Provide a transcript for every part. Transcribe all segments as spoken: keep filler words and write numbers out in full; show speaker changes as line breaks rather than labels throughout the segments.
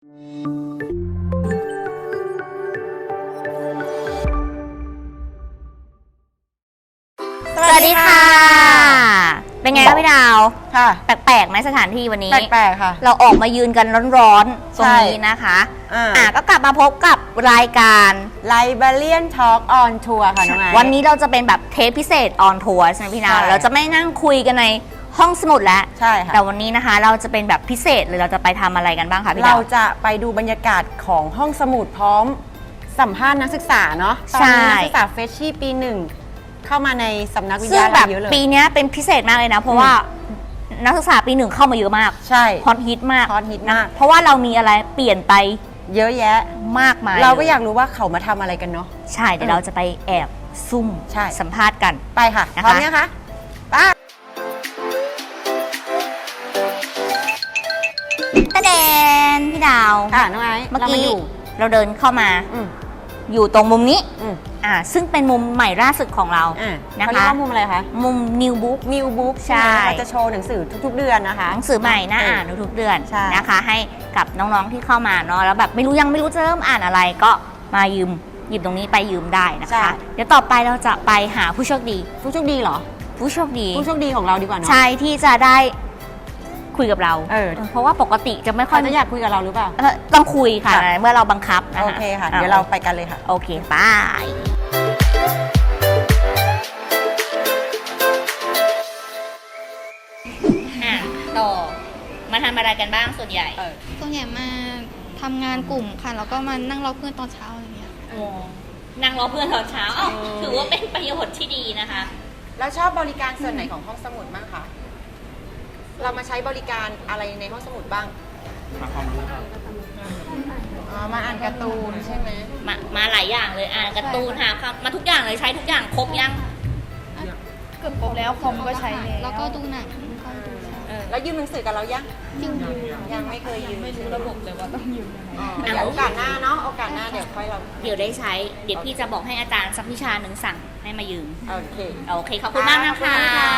สวัสดีค่ะเป็นไงคะพี่ดาวค่ะแปลกๆไหมสถานที่วันนี้
แปลกๆค่ะ
เราออกมายืนกันร้อนๆตรงนี้นะคะอ่าก็กลับมาพบกับรายการ
Librarian Talk on Tour ค่ะน้องไอ
วันนี้เราจะเป็นแบบเทปพิเศษ on tour ใช่ไหมพี่ดาวเราจะไม่นั่งคุยกันในห้องสมุดแล้ว
ใช่ค่ะ
แต่วันนี้นะคะเราจะเป็นแบบพิเศษเลยเราจะไปทำอะไรกันบ้างคะพี่ดาว
เราจะไปดูบรรยากาศของห้องสมุดพร้อมสัมภาษณ์นักศึกษาเนาะตอนนี้นักศึกษาเฟชชี่ปีหนึ่งเข้ามาในสำนักวิทยาลัยเยอะเลย
ปีนี้เป็นพิเศษมากเลยนะเพราะว่านักศึกษาปีหนึ่งเข้ามาเยอะมาก
ใช่
ฮอตฮิตมาก
ฮอตฮิตมาก
เพราะว่าเรามีอะไรเปลี่ยนไป
เยอะแยะ
มากมาย
เราก็อยากรู้ว่าเขามาทำอะไรกันเนาะ
ใช่เดี๋ยวเราจะไปแอบซุ่มสัมภาษณ์กัน
ไปค่ะพร้อมเนี่ยคะไป
ตะเดนพี่ดาว
ค่ะน้องไอซ์
เมื่อกี้เราเดินเข้ามาอยู่ตรงมุมนี้อ่าซึ่งเป็นมุมใหม่ล่าสุดของเรา
นะคะเขาเรียกว่ามุมอะไรคะ
มุม New Book
New Book ใช่เราจะโชว์หนังสือทุกๆเดือนนะคะ
หนังสือใหม่น่าอ่านทุกๆเดือนนะคะให้กับน้องๆที่เข้ามาเนาะแล้วแบบไม่รู้ยังไม่รู้จะเริ่มอ่านอะไรก็มายืมหยิบตรงนี้ไปยืมได้นะคะเดี๋ยวต่อไปเราจะไปหาผู้โชคดี
ผู้โชคดีเหรอ
ผู้โชคดี
ผู้โชคดีของเราดีกว่าเนาะ
ใช่ที่จะได้คุยกับเรา
เออ
เพราะว่าปกติจะไม่ค่อย
จะอยากคุยกับเราหรือเปล่า
ต้องคุยค่ะเมื่อเราบังคับ
โอเคค่ะเดี๋ยวเราไปกันเลยค่ะ
โอเคไปต่อมาทำอะไรกันบ้างส่วนใหญ่
ส่วนใหญ่มาทำงานกลุ่มค่ะแล้วก็มานั่งรอเพื่อนตอนเช้าอะไรเงี้ย
นั่งรอเพื่อนตอนเช้าถือว่าเป็นประโยชน์ที่ดีนะคะ
แล้วชอบบริการส่วนไหนของห้องสมุดบ้างคะเรามาใช้บริการอะไรในห้องสมุดบ้างมาความรู้ครับอ๋อมาอ่านการ์ตูนใช่ไหม
มามาหลายอย่างเลยอ่านการ์ตูนหาครับมาทุกอย่างเลยใช้ทุกอย่างครบยัง
เกือบครบแล้วคอมก็ใช้แล้วก็ดูหนัง
แล้วยืมหนังสือกับเรายัง
ยัง
ยังไม่เคยยืม
ไม่รู้ระบบเลยว่าต้องยืม
ยังไงโอกาสหน้าเนาะโอกาสหน้าเดี๋ยวค่อยเรา
เดี๋ยวได้ใช้เดี๋ยวพี่จะบอกให้อาจารย์สักวิชาหนึ่งสั่งให้มายืม
โอเค
โอเคขอบคุณมากนะคะ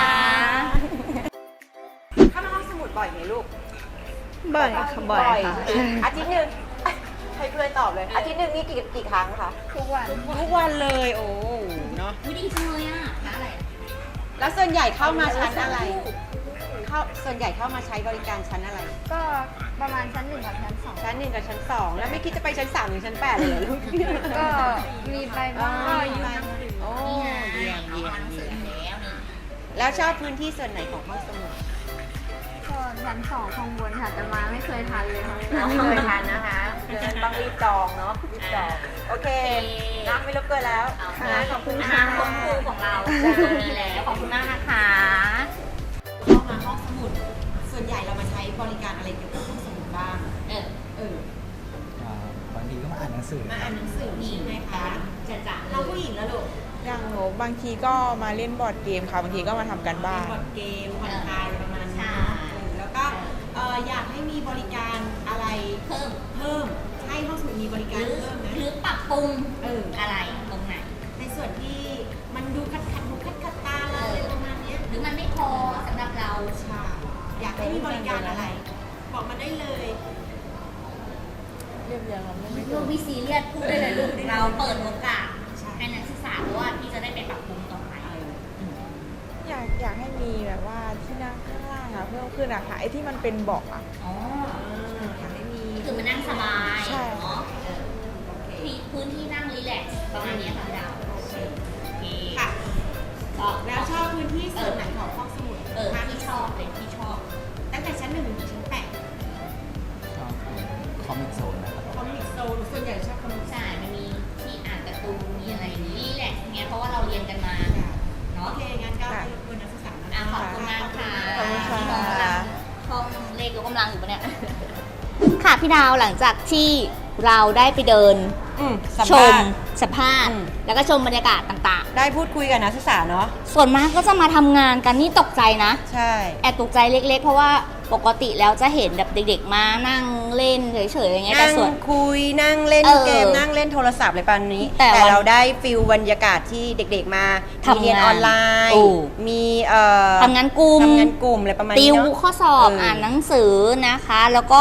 เข้ามาห้องสมุดบ่อยไหมลูก
บ่อยค่ะบ่อยค่ะ
อาทิตย์หนึ่งให้เพื่อนตอบเลยอาทิตย์หนึ่งนี่กี่กี่ครั้งคะ
ทุกวัน
ทุกวันเลยโอ้เนาะ
ไม่ดีจังเลยอ่ะร้านอะไร
แล้วส่วนใหญ่เข้ามาชั้นอะไรเข้าส่วนใหญ่เข้ามาใช้บริการชั้นอะไร
ก็ประมาณชั้นหนึ่งกับชั้นสอง
ชั้นหนึ่งกับชั้นสองแล้วไม่คิดจะไปชั้นสามหรือชั้นแปดเลยเหรอลูก
ก็มีไปบ้างก็อยู่
โอ้เยี่ยมเยี่ยมแล้วชอบพื้นที่ส่วนไหนของห้องสมุด
ก็ชั้นสองข้างบนค่ะแต่มาไม่เคยทานเลยค่ะ
ไม่เคยทานนะคะเดี๋ยวต้องรีบจองเนาะรีบจองโอเคนั่งไม่รบกวนแล้ว
ขอบคุณค่ะห้องครูของเราตรงนี้แล้วขอบคุณมากนะคะ
เข้ามาห้องสมุดส่วนใหญ่เรามาใช้บริการอะไรเกี่ยวกับห้องสมุดบ้างเออเอ
บางทีก็มาอ่านหนังสือ
มาอ่านหนังสือใช่ไหมคะจะจะเราผู้หญิงแล้วลูก
อย่างหนูบางทีก็มาเล่นบอร์ดเกมค่ะบางทีก็มาทำกันบ้าน
บอร์ดเกมผ่อนคลายประมาณนี้แล้วก็อยากให้มีบริการอะไร
เพิ่ม
เพิ่มให้ห้องสมุดมีบริการเพิ่มนะ
หรือปรับปรุงเอออะไรตรงไหน
ในส่วนที่มันดูขัดขัดดูขัดขัดตาเราอะไรประมาณนี้
หรือมันไม่พอสำหรับเรา
ใช่อยากให้มีบริการอะไรบอกมาได้เลย
เรียบเรียงเราไม่ไม่
ลูกวิซีเรียสพูดได้เลยลูกเราเปิดโอกาสให้นักศึกษาเพราะว่าที่จะได้ไปปรับปรุงต่อไป
อยากอยากให้มีแบบว่าที่นั่งข้างล่างอะเพิ่มขึ้นอะค่ะไอ้ที่มันเป็นเบาะอะ
อ๋ออยากให้มีคือมันนั่งสบาย
ใช่
เนาะมีพื้นที่นั่งรีแลกซ์ประมาณนี้ค่ะดาวโอเค
ค่ะแล้วชอบพื้นที่ส่วนไหนของห้องสมุด
เออที่ชอบเป็นที่ชอบ
ตั้งแต่ชั้นหนึ่งถึงชั้นแปด
ชอบคอมิกโซนนะครับ
คอมิกโซนส่วนใหญ่ชอบคอมิก
ใช่มันมีที่อ่านการ์ตูนมีอะไรนี่แหละเงี้ยเพราะว่าเราเรียนกันมาเนาะ
โอเคงั้นก็ให้รบกวนนักศึกษา
นะขอบคุณมากค่ะ
ขอบคุณค่ะ
ห้องเลขยกกำลังอยู่ปะเนี่ยค่ะพี่ดาวหลังจากที่เราได้ไปเดินชมสัมภาษณ์แล้วก็ชมบรรยากาศต่าง
ๆได้พูดคุยกับนักศึกษาเนาะ
ส่วนมากก็จะมาทำงานกันนี่ตกใจนะ
ใช่
แอบตกใจเล็กๆเพราะว่าปกติแล้วจะเห็นแบบเด็กๆมานั่งเล่นเฉยๆอย่างเงี้ยแต่ส่วน
คุยนั่งเล่นเกมนั่งเล่นโทรศัพท์อะไรประมาณนี้แต่เราได้ฟิลบรรยากาศที่เด็กๆมามีเรียนออนไลน์มีเอ่อ
ทำงานกลุ่ม
ทำงานกลุ่มอะไรประมาณนี้
ติวข้อสอบอ่านหนังสือนะคะแล้วก็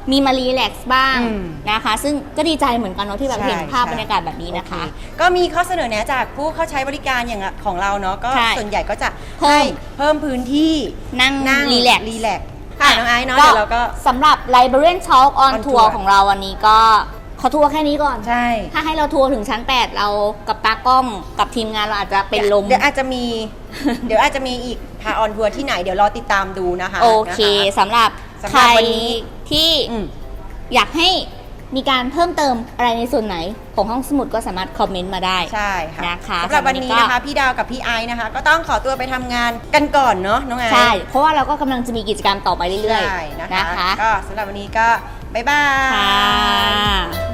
มีมารีแลกซ์บ้าง
อืม
นะคะ ซึ่งก็ดีใจเหมือนกันเนาะที่แบบ
ใช่
เห็นภาพ
ใช่
บรรยากาศแบบนี้นะคะ
โอเคก็มีข้อเสนอแนะจากผู้เข้าใช้บริการอย่างของเราเนาะก็
ใช่
ส่วนใหญ่ก็จะ
เพิ่
ให้
ม
เพิ่มพื้นที่
นั่ง
นั่ง
รีแลกซ์
รีแลกซ์ค่ะน้องไอซ์เนาะเดี๋ยวเราก็
สำหรับ Librarian Talk on
on
Tour
Tour
ของเราวันนี้ก็ขอทัวร์แค่นี้ก่อน
ใช่
ถ้าให้เราทัวร์ถึงชั้น แปด เรากับตากล้องกับทีมงานเราอาจจะเป็นลม
เดี๋ยวอาจจะมี เดี๋ยวอาจจะมีอีกพาออนทัวร์ที่ไหนเดี๋ยวรอติดตามดูนะคะ
โอเค
นะคะ
สำหรับ
สำหรับ
ใคร
วันนี้
ที่
อืม
อยากให้มีการเพิ่มเติมอะไรในส่วนไหนของห้องสมุดก็สามารถคอมเมนต์มาได้
ใช่ค่ะ
นะคะ
สำหรับวันนี้
สำหรับวันนี้ก็
นะคะพี่ดาวกับพี่ไอซ์นะคะ ก็ต้องขอตัวไปทำงานกันก่อนเนาะน้องไอซ์
ใช่ เพราะว่าเราก็กำลังจะมีกิจกรรมต่อไปเรื่อย
ใช่นะ
ๆ นะคะ คะ
ก็สำหรับวันนี้ก็บ๊ายบาย
ค่ะ